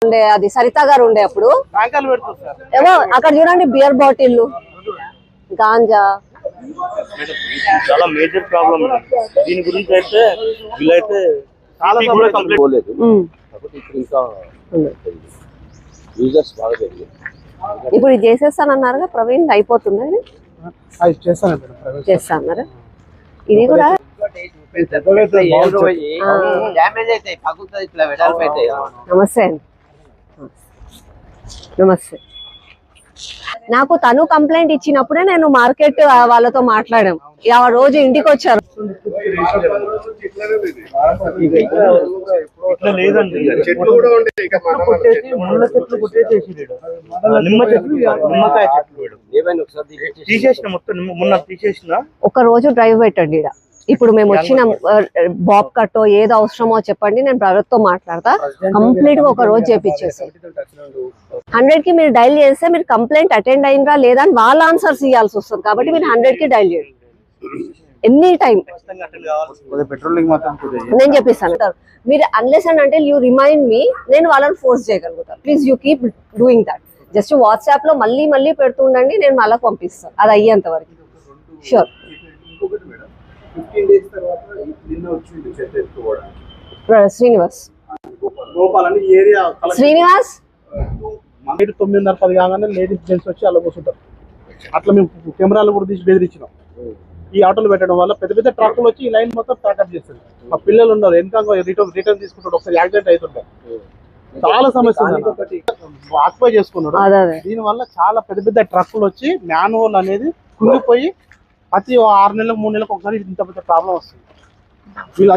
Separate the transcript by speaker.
Speaker 1: ఉండే అది సరిత గారు ఉండే అప్పుడు ఏమో అక్కడ చూడండి బియర్ బాటిల్ గాంజా
Speaker 2: చాలా మేజర్ ప్రాబ్లం. దీని గురించి అయితే వీళ్ళైతే చాలా పోలేదు.
Speaker 1: ఇప్పుడు ఇది చేసేస్తానన్నారుగా ప్రవీణ్, అయిపోతుంది చేస్తా అన్నారు. ఇది కూడా నమస్తే అండి, నమస్తే. నాకు తను కంప్లైంట్ ఇచ్చినప్పుడే నేను మార్కెట్ వాళ్ళతో మాట్లాడాం. ఆ రోజు ఇంటికి వచ్చారు. ఒక రోజు డ్రైవ్ పెట్టండి. ఇప్పుడు మేము వచ్చిన బాబ్ కట్టో ఏదో అవసరమో చెప్పండి, నేను ప్రభుత్వంతో మాట్లాడతా. కంప్లీట్ గా ఒక రోజు చేపించేసి 100 కి మీరు డైల్ చేస్తే మీరు కంప్లైంట్ అటెండ్ అయినరా లేదా అని వాళ్ళ ఆన్సర్స్ ఇవ్వాల్సి వస్తుంది. కాబట్టి మీరు 100 కి డైల్ చేయండి ఎనీ టైం. నేను చెప్పిస్తాను. మీరు అన్లెస్ అండ్ అంటే యూ రిమైండ్ మీ, నేను వాళ్ళని ఫోర్స్ చేయగలుగుతాను. Please you keep doing that. Just WhatsApp లో మళ్ళీ మళ్ళీ పెడుతుండండి, నేను మళ్ళీ పంపిస్తాను అది అయ్యేంత వరకు. షూర్. శ్రీనివాస్
Speaker 3: 9:30 కాగానే లేడీస్ జెంట్స్ వచ్చి అలా కూర్చుంటారు. అట్లా మేము కెమెరాలు కూడా తీసి బెదిరించినాం. ఈ ఆటోలు పెట్టడం వల్ల పెద్ద పెద్ద ట్రక్కులు వచ్చి ఈ లైన్ మొత్తం ప్యాకప్ చేస్తుంది. మా పిల్లలు ఉన్నారు వెనక రిటర్న్ తీసుకుంటాడు, ఒకసారి యాక్సిడెంట్ అవుతుంటారు. చాలా సమస్య ఆక్యుపై చేసుకున్నాడు. దీని వల్ల చాలా పెద్ద పెద్ద ట్రక్కులు వచ్చి మ్యాన్హోల్ అనేది కుంగిపోయి ప్రతి 6 నెలలకు 3 నెలలకు ఒకసారి ఇంత పెద్ద ప్రాబ్లం వస్తుంది.